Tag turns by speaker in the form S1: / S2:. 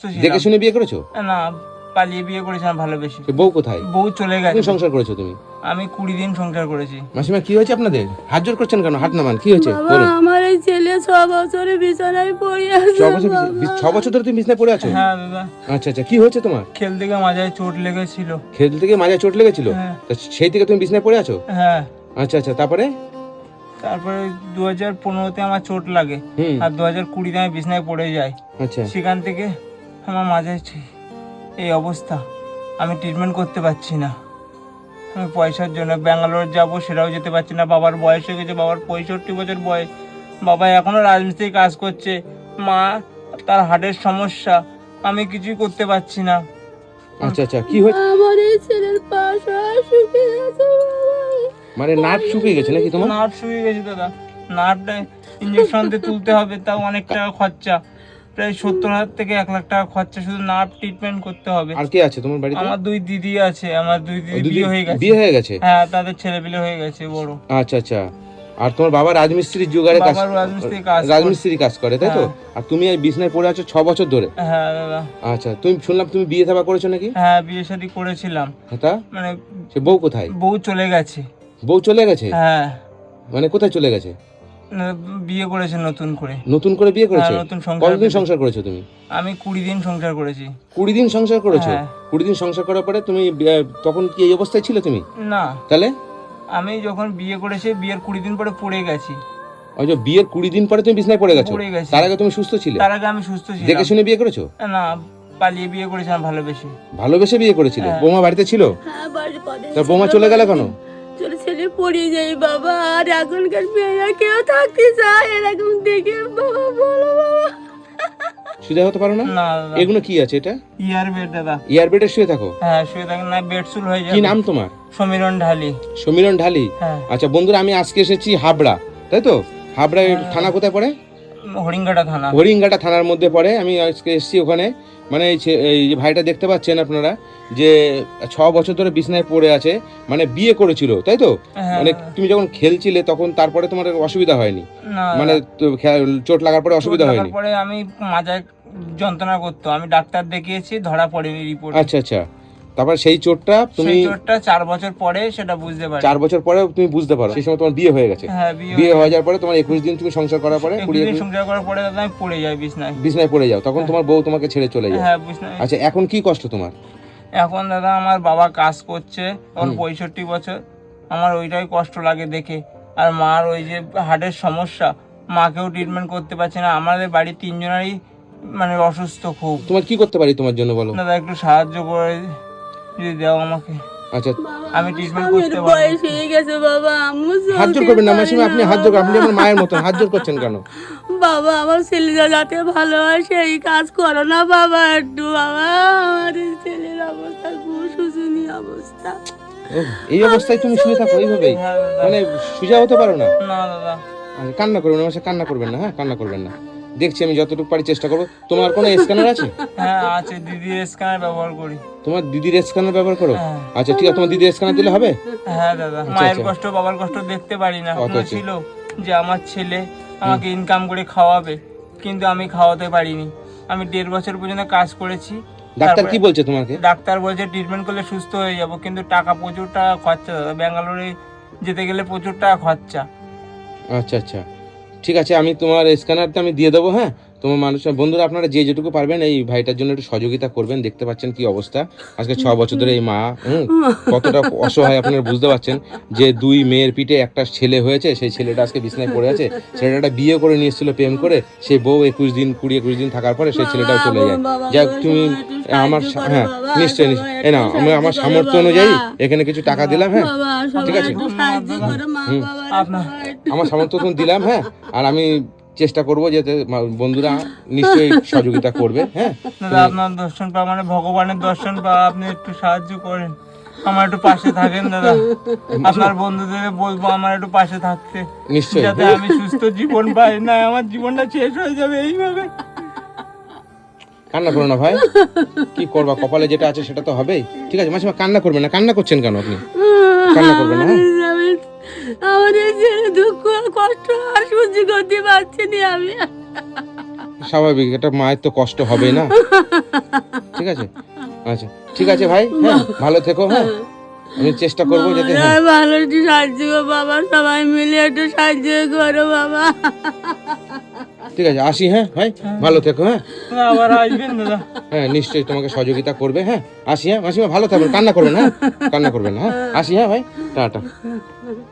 S1: দেখে শুনে বিয়ে করেছো?
S2: না, পালিয়ে বিয়ে করেছিলাম ভালোবেসে।
S1: বউ কোথায়?
S2: বউ চলে গেছে।
S1: তুমি সংসার করেছো তুমি?
S2: আমি 20 দিন সংসার করেছি।
S1: মাসিমা কি হয়েছে আপনাদের? হাত জোর করছেন কেন? হাত নামান, কি হয়েছে বলুন।
S3: আমার এই ছেলে 6 বছরে বিছানায় পড়ে আছে।
S1: 6 বছর ধরে তুমি বিছানায় পড়ে আছো?
S2: হ্যাঁ দাদা।
S1: আচ্ছা আচ্ছা, কি হয়েছে তোমার?
S2: খেলতে গিয়ে মাজায় চোট লেগেছিল।
S1: খেলতে গিয়ে মাজায় চোট লেগেছিল?
S2: হ্যাঁ।
S1: তা সেই থেকে তুমি বিছানায় পড়ে আছো?
S2: হ্যাঁ।
S1: আচ্ছা আচ্ছা, তারপরে?
S2: তারপরে 2015-তে আমার চোট লাগে আর 2020-তে আমি বিছানায় পড়ে যাই।
S1: আচ্ছা,
S2: সেখান থেকে আমার মাঝে এই অবস্থা, আমি ট্রিটমেন্ট করতে পারছি না। আমি পয়সার জন্য ব্যাঙ্গালোর যাব, সেটাও যেতে পারছি না। বাবার বয়স হয়ে গেছে, বাবার 65 বছর বয়স। বাবা এখনো রাজমিস্ত্রি কাজ করছে। মা, তার হার্টের সমস্যা, আমি কিছুই করতে পারছি না।
S1: আচ্ছা আচ্ছা, কি হয়েছে?
S3: আমার এই ছেলের পা শুকিয়ে গেছে।
S1: মানে নার্ভ শুকিয়ে গেছে নাকি তোমার?
S2: নার্ভ শুকিয়ে গেছে দাদা। নার্ভটা ইঞ্জেকশন দিয়ে তুলতে হবে, তাও অনেক টাকা খরচা। প্রায় 70,000 থেকে 1 লাখ টাকা খরচা শুধু নার্ভ ট্রিটমেন্ট করতে হবে।
S1: আর কে আছে তোমার বাড়িতে?
S2: আমার 2 দিদি আছে। আমার 2 দিদি বিয়ে হয়ে গেছে।
S1: বিয়ে হয়ে গেছে?
S2: হ্যাঁ, তাদের ছেলেপিলে হয়ে গেছে বড়।
S1: আচ্ছা আচ্ছা। আর তোমার বাবা রাজমিস্ত্রির জোগাড়ে কাজ, রাজমিস্ত্রি কাজ করে তাই তো? আর তুমি এই বিছনায় পড়ে আছো 6 বছর ধরে?
S2: হ্যাঁ দাদা।
S1: আচ্ছা, তুমি শুনলাম তুমি বিয়ে থাবা করেছো নাকি?
S2: হ্যাঁ, বিয়ে শাদী করেছিলাম।
S1: তা
S2: মানে
S1: সে বউ কোথায়?
S2: বউ চলে গেছে।
S1: বউ চলে গেছে?
S2: হ্যাঁ।
S1: মানে কোথায় চলে গেছে?
S2: বিয়ে করেছে নতুন করে।
S1: নতুন করে বিয়ে করেছে?
S2: নতুন সংসার।
S1: কতদিন সংসার করেছো তুমি?
S2: আমি 20 দিন সংসার করেছি।
S1: 20 দিন সংসার করেছো?
S2: হ্যাঁ।
S1: 20 দিন সংসার করার পরে তুমি তখন কি এই অবস্থায় ছিলে তুমি?
S2: না,
S1: তাহলে?
S2: আমি যখন বিয়ে করেছি, বিয়ের 20 দিন পরে পড়ে গেছি।
S1: ওই যে বিয়ের 20 দিন পরে তুমি বিছনায় পড়ে গেছো?
S2: পড়ে গেছি।
S1: তার আগে তুমি সুস্থ ছিলে?
S2: তার আগে আমি সুস্থ ছিলাম।
S1: দেখে শুনে বিয়ে করেছো?
S2: না, পালিয়ে বিয়ে করেছিলাম ভালোবেসে।
S1: ভালোবেসে বিয়ে করেছিলে?
S2: হ্যাঁ।
S1: বৌমা বাড়িতে ছিল?
S3: হ্যাঁ, বাড়ি পড়ে।
S1: তার বৌমা চলে গেল কেন?
S3: ছেলে পড়ে যাই বাবা। আর এখনকার মেয়েরা কেউ থাকতে চায় এরকম দেখে বাবা, বলো বাবা।
S1: শুয়ে হতে পারো না?
S2: না দাদা।
S1: এগুলো কি আছে এটা?
S2: ইয়ার বেড দাদা।
S1: ইয়ার বেডে শুয়ে থাকো?
S2: হ্যাঁ, শুয়ে থাকেন না, বেডসুল হয়ে যাবে।
S1: কি নাম তোমার?
S2: সমীরণ ঢালি।
S1: সমীরণ ঢালি?
S2: হ্যাঁ।
S1: আচ্ছা বন্ধুরা, আমি আজকে এসেছি হাবড়া, তাই তো? হাবড়া থানা কোথায় পড়ে?
S2: হরিঙ্গাটা থানা।
S1: হরিঙ্গাটা থানার মধ্যে পড়ে। আমি আজকে এসেছি ওখানে। মানে এই যে ভাইটা দেখতে পাচ্ছেন আপনারা, যে 6 বছর ধরে বিছনায় পড়ে আছে, মানে বিয়ে করেছিল তাই তো?
S2: হ্যাঁ।
S1: মানে তুমি যখন খেলছিলে তখন তারপরে তোমার অসুবিধা হয়নি?
S2: না,
S1: মানে চোট লাগার পরে অসুবিধা হয়নি?
S2: পরে আমি মাজায় যন্ত্রণা করতো, আমি ডাক্তার দেখিয়েছি, ধরা পড়েনি রিপোর্ট।
S1: আচ্ছা আচ্ছা, তারপর সেই চোটটা তুমি
S2: 4 বছর পরে সেটা বুঝতে পারি।
S1: 4 বছর পরে তুমি বুঝতে পারো, সেই সময় তোমার বিয়ে হয়ে গেছে?
S2: হ্যাঁ,
S1: বিয়ে হয়ে যাওয়ার পরে তোমার 21 দিন তুমি সংসার করার পরে
S2: 20 দিন সংসার করার পরে দাদা আমি পড়ে যাই বিছনায়।
S1: বিছনায় পড়ে যাও, তখন তোমার বউ তোমাকে ছেড়ে চলে যায়?
S2: হ্যাঁ, বিছনায়।
S1: আচ্ছা, এখন কি কষ্ট তোমার?
S2: এখন দাদা আমার বাবা কাজ করছে, তখন 65 বছর, আমার ওইটাই কষ্ট লাগে দেখে। আর মার ওই যে হার্টের সমস্যা, মাকেও ট্রিটমেন্ট করতে পারছে না। আমাদের বাড়ির 3 জনেরই মানে অসুস্থ খুব।
S1: তোমার কি করতে পারি তোমার জন্য বলো?
S2: দাদা একটু সাহায্য করে যদি দাও আমাকে,
S1: আচ্ছা,
S2: আমি ট্রিটমেন্ট করতে পারবো।
S3: বয়স হয়ে গেছে বাবা। আম্মু
S1: হাত জোর করবেন না মাসিমা, আপনি হাত জোর, আপনি আমার মায়ের মতন হাত জোর করছেন কেন?
S3: বাবা, আমার ছেলেরা যাতে ভালো হয় সেই কাজ করো না বাবা একটু। বাবা, আমার এই ছেলের অবস্থা খুব শোচনীয় অবস্থা।
S1: এই অবস্থায় তুমি শুয়ে থাকো এইভাবেই?
S2: হ্যাঁ দাদা।
S1: মানে সোজা হতে পারো না?
S2: না দাদা।
S1: আচ্ছা, কান্না করবেন না মাসে, কান্না করবেন না, হ্যাঁ কান্না করবেন না। দেখছি আমি যতটুকু পারি চেষ্টা করবো। তোমার কোনো স্ক্যানার আছে?
S2: হ্যাঁ আছে, দিদির স্ক্যানার ব্যবহার করি।
S1: তোমার দিদির স্ক্যানার ব্যবহার করো?
S2: হ্যাঁ।
S1: আচ্ছা ঠিক আছে, তোমার দিদির স্ক্যানার দিলে হবে?
S2: হ্যাঁ দাদা। মায়ের কষ্ট বাবার কষ্ট দেখতে পারি না। মনে ছিল যে আমার ছেলে আমাকে ইনকাম করে খাওয়াবে, কিন্তু আমি খাওয়াতে পারিনি। আমি 1.5 বছর পর্যন্ত কাজ করেছি।
S1: ডাক্তার কি বলছে তোমাকে?
S2: ডাক্তার বলছে ট্রিটমেন্ট করলে সুস্থ হয়ে যাব, কিন্তু টাকা প্রচুর টাকা খরচা দাদা। ব্যাঙ্গালোরে যেতে গেলে প্রচুর টাকা খরচা।
S1: আচ্ছা আচ্ছা, ঠিক আছে, আমি তোমার স্ক্যানারটা আমি দিয়ে দেবো। হ্যাঁ, তোমার মানুষের বন্ধুরা আপনারা যে যেটুকু পারবেন এই ভাইটার জন্য একটু সহযোগিতা করবেন। দেখতে পাচ্ছেন কি অবস্থা, আজকে 6 বছর ধরে এই মা কতটা অসহায় আপনারা বুঝতে পারছেন। যে 2 মেয়ের পিঠে একটা ছেলে হয়েছে, সেই ছেলেটা আজকে বিছনায় পড়ে আছে। ছেলেটা বিয়ে করে নিয়ে এসেছিল প্রেম করে, সেই বউ 20 দিন থাকার পরে সেই ছেলেটাও চলে যায়। যাক তুমি আমার, হ্যাঁ নিশ্চয়ই নিশ্চয়ই, এই না আমি আমার সামর্থ্য অনুযায়ী এখানে কিছু টাকা দিলাম। হ্যাঁ ঠিক আছে, আমার সামর্থ্য তো দিলাম। হ্যাঁ, আর আমি চেষ্টা করবো যাতে বন্ধুরা নিশ্চয়ই সহযোগিতা করবে। হ্যাঁ
S2: দাদা, আপনার দর্শন পাওয়া মানে ভগবানের দর্শন পাওয়া। আপনি একটু সাহায্য করেন, আমার একটু পাশে থাকেন দাদা। আপনার বন্ধুদের বলবো আমার একটু পাশে থাকতে,
S1: নিশ্চয়ই,
S2: যাতে আমি সুস্থ জীবন পাই। না, আমার জীবনটা শেষ হয়ে যাবে এইভাবে।
S1: কান্না করো না ভাই, কি করবা, কপালে যেটা আছে সেটা তো হবেই। ঠিক আছে মাসিমা, কান্না করবেন না। কান্না করছেন কেন আপনি? কান্না করবেন না।
S3: আমার এই ছেলে দুঃখ কষ্ট আর সহ্য করতে পারছি না আমি।
S1: স্বাভাবিক, একটা মায়ের তো কষ্ট হবে না। ঠিক আছে, আচ্ছা ঠিক আছে ভাই, হ্যাঁ ভালো থেকো, হ্যাঁ আমি চেষ্টা করবো যাতে, হ্যাঁ
S3: ভালো একটু সাহায্য করো বাবা, সবাই মিলে একটু সাহায্য করো বাবা।
S1: ঠিক আছে আসি, হ্যাঁ ভাই ভালো থেকো, হ্যাঁ
S2: আবার আসবেন দাদা?
S1: হ্যাঁ নিশ্চয়ই তোমাকে সহযোগিতা করবে, হ্যাঁ আসি, হ্যাঁ মাসিমা ভালো থাকবেন, কান্না করবেন, হ্যাঁ কান্না করবেন না, হ্যাঁ আসি, হ্যাঁ ভাই টাটা।